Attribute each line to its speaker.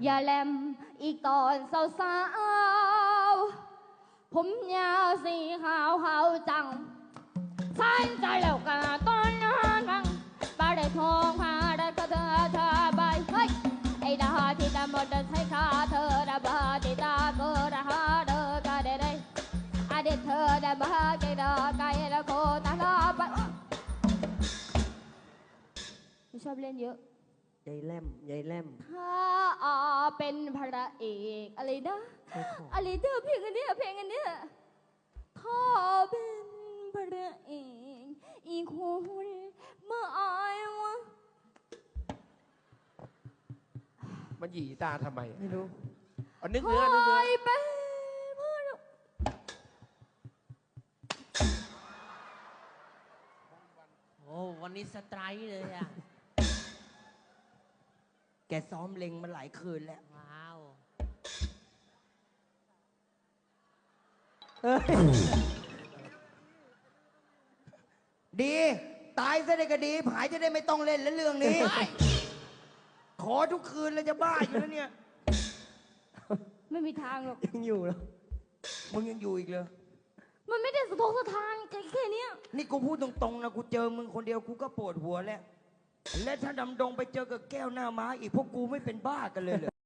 Speaker 1: อย่าแลมอีกตอนสาวๆผมยาวสีขาวขาวจังสันใจแล้วกันตอนนั้นปาได้ทองพาได้ก็เธอใบเฮ้ยไอ้ดาที่ดำหมดได้ใช้ขาเธอดาบาที่ตาเกิดหาเด้อก็ได้อดีตเธอดาบาไก่ดาไก่แล้วโคตาลาไปไม่ชอบเล่นเยอะ
Speaker 2: ยายแลมยายแลม
Speaker 1: ถ้าเป็นพระเอกอะไรนะอะไรเด้อเพลงอันเนี้ยถ้าเป็นพระเอกอีกคนเมื่ออายวะ
Speaker 3: มันหยีตาทำไม
Speaker 2: ไม่รู้
Speaker 3: เอานึกเนื้อ
Speaker 1: เป็นเพื่อน
Speaker 4: โอ้วันนี้สไตร์เลยอ่ะ
Speaker 2: แกซ้อมเล็งมาหลายคืนแล้ว
Speaker 4: ว้าว
Speaker 2: ดีตายซะได้ก็ดีผายจะได้ไม่ต้องเล่นแล้วเรื่องนี้ขอทุกคืนเลยจะบ้าอยู่แล้วเนี่ย
Speaker 1: ไม่มีทางหรอก
Speaker 2: ยังอยู่แล้วมึงยังอยู่อีกเลย
Speaker 1: มันไม่ได้สะทกสะทานแค่นี้
Speaker 2: นี่กูพูดตรงๆนะกูเจอมึงคนเดียวกูก็ปวดหัวแล้วและถ้าดำดงไปเจอกับแก้วหน้าม้าอีกพวกกูไม่เป็นบ้ากันเลยเหรอ